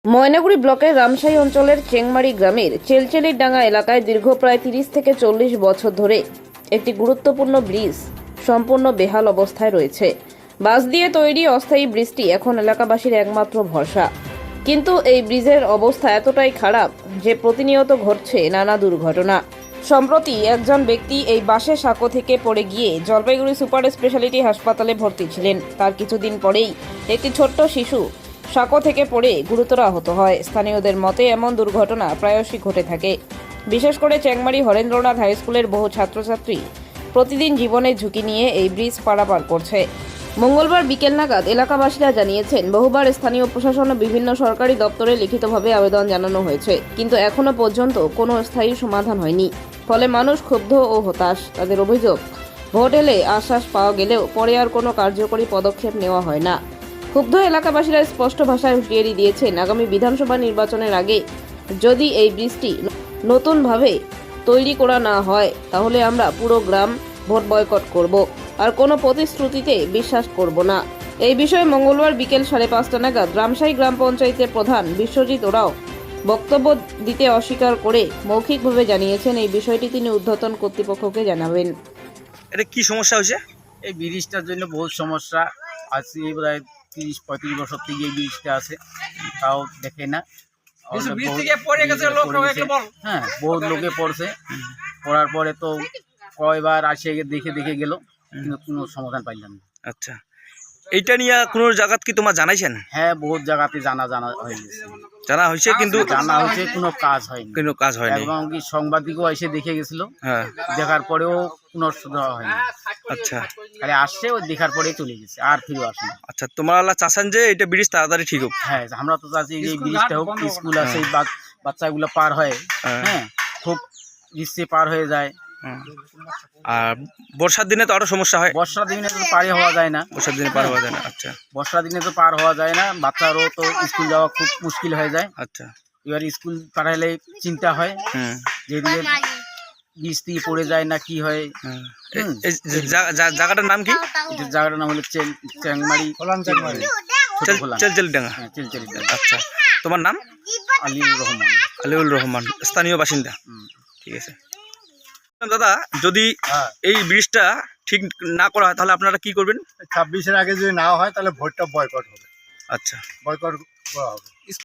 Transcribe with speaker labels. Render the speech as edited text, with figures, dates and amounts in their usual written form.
Speaker 1: ময়নাগুড়ি ব্লকের রামশাহী অঞ্চলের চেংমারি গ্রামের চেলচেলির ডাঙ্গা এলাকায় দীর্ঘ প্রায় 30 থেকে 40 বছর ধরে একটি গুরুত্বপূর্ণ ব্রিজ সম্পূর্ণ বেহাল অবস্থায় রয়েছে। বাঁশ দিয়ে তৈরি অস্থায়ী ব্রিজটি এখন এলাকাবাসীর একমাত্র ভরসা। কিন্তু এই ব্রিজের অবস্থা এতটাই খারাপ যে প্রতিনিয়ত ঘটছে নানা দুর্ঘটনা। সম্প্রতি একজন ব্যক্তি এই বাঁশের সাঁকো থেকে পড়ে গিয়ে জলপাইগুড়ি সুপার স্পেশালিটি হাসপাতালে ভর্তি ছিলেন। তার কিছুদিন পরেই একটি ছোট্ট শিশু সাঁকো থেকে পড়ে গুরুতর আহত হয়। স্থানীয়দের মতে এমন দুর্ঘটনা প্রায়শই ঘটে থাকে। বিশেষ করে চেংমারি হরেন্দ্রনাথ হাই স্কুলের বহু ছাত্রছাত্রী প্রতিদিন জীবনের ঝুঁকি নিয়ে এই ব্রিজ পারাপার করছে। মঙ্গলবার বিকেল নাগাদ এলাকাবাসীরা জানিয়েছেন, বহুবার স্থানীয় প্রশাসন ও বিভিন্ন সরকারি দপ্তরে লিখিতভাবে আবেদন জানানো হয়েছে, কিন্তু এখনো পর্যন্ত কোনো স্থায়ী সমাধান হয়নি। ফলে মানুষ ক্ষুব্ধ ও হতাশ। তাদের অভিযোগ, ভোট এলে আশ্বাস পাওয়া গেলেও পরে আর কোনো কার্যকরী পদক্ষেপ নেওয়া হয় না। ক্ষুব্ধ এলাকাবাসীরা স্পষ্ট ভাষায় হুঁশিয়ারি দিয়েছেন, আগামী বিধানসভা নির্বাচনের আগে যদি এই ব্রিজটি নতুনভাবে তৈরি করা না হয় তাহলে আমরা পুরো গ্রাম ভোট বয়কট করব, আর কোনো প্রতিশ্রুতিতে বিশ্বাস করব না। এই বিষয়ে মঙ্গলবার বিকেল 5:30 নাগাদ রামশাহী গ্রাম পঞ্চায়েতের প্রধান বিশ্বজিৎ ওরাও বক্তব্য দিতে অস্বীকার করে মৌখিকভাবে জানিয়েছেন এই বিষয়টি তিনি ঊর্ধ্বতন কর্তৃপক্ষকে জানাবেন।
Speaker 2: এটা কি সমস্যা হয়েছে?
Speaker 3: এই ব্রিজটার জন্য বহুত সমস্যা আছে। প্রায় 30-35 বছর থেকে এই ব্রিজটা আছে, তাও দেখে না। হ্যাঁ, বহুত লোকে পড়ছে। পড়ার পরে তো কয়বার আসে দেখে গেল, কিন্তু কোনো সমাধান পাইলাম না।
Speaker 2: আচ্ছা, এইটা নিয়ে কোনো জায়গাত কি তোমার জানাইছেন?
Speaker 3: হ্যাঁ, বহুত জায়গাতে জানা হয়ে গেছে,
Speaker 2: জানা হয়েছে, কিন্তু
Speaker 3: জানা হয়েছে, কোনো কাজ হয়নি।
Speaker 2: কোনো কাজ হয়নি।
Speaker 3: এবং কি সাংবাদিকও এসে দেখে গেছিল,
Speaker 2: হ্যাঁ,
Speaker 3: দেখার পরেও কোনো সুবিধা হয়নি।
Speaker 2: আচ্ছা
Speaker 3: খালি আসছে, ওই দেখার পরেই চলে গেছে, আর ফিরে আসেনি।
Speaker 2: আচ্ছা, তোমরা চাচ্ছেন যে এটা ব্রিজ তাড়াতাড়ি ঠিক হোক?
Speaker 3: হ্যাঁ, আমরা তো চাচ্ছি যে এই ব্রিজটা হোক। স্কুল আছে, বাচ্চাগুলো পার হয়, হ্যাঁ, খুব রিস্কে পার হয়ে যায়।
Speaker 2: আর বর্ষার দিনে তো আরো সমস্যা হয়।
Speaker 3: বর্ষার দিনে তো পার হওয়া যায় না।
Speaker 2: বর্ষার দিনে পার হওয়া যায় না। আচ্ছা,
Speaker 3: বর্ষার দিনে তো পার হওয়া যায় না, বাচ্চারও তো স্কুল যাওয়া খুব মুশকিল হয়ে যায়।
Speaker 2: আচ্ছা,
Speaker 3: এবার স্কুল পাঠাইলে চিন্তা হয়, যেদিকে বীজ থেকে পড়ে যায় না কি হয়।
Speaker 2: এই জায়গাটার নাম কি?
Speaker 3: এটা জায়গাটার নাম হলো চেংমারি,
Speaker 2: চেলচেলি ডাঙ্গা।
Speaker 3: হ্যাঁ, চেলচেলি ডাঙ্গা।
Speaker 2: আচ্ছা, তোমার নাম?
Speaker 3: আলিউর রহমান।
Speaker 2: আলিউল রহমান, স্থানীয় বাসিন্দা। ঠিক আছে দাদা, যদি এই ব্রিজটা ঠিক না করা হয় তাহলে আপনারা কি করবেন?
Speaker 4: 26-এর আগে যদি না হয় তাহলে ভোটটা বয়কট হবে।
Speaker 2: আচ্ছা,
Speaker 4: বয়কট করা হবে।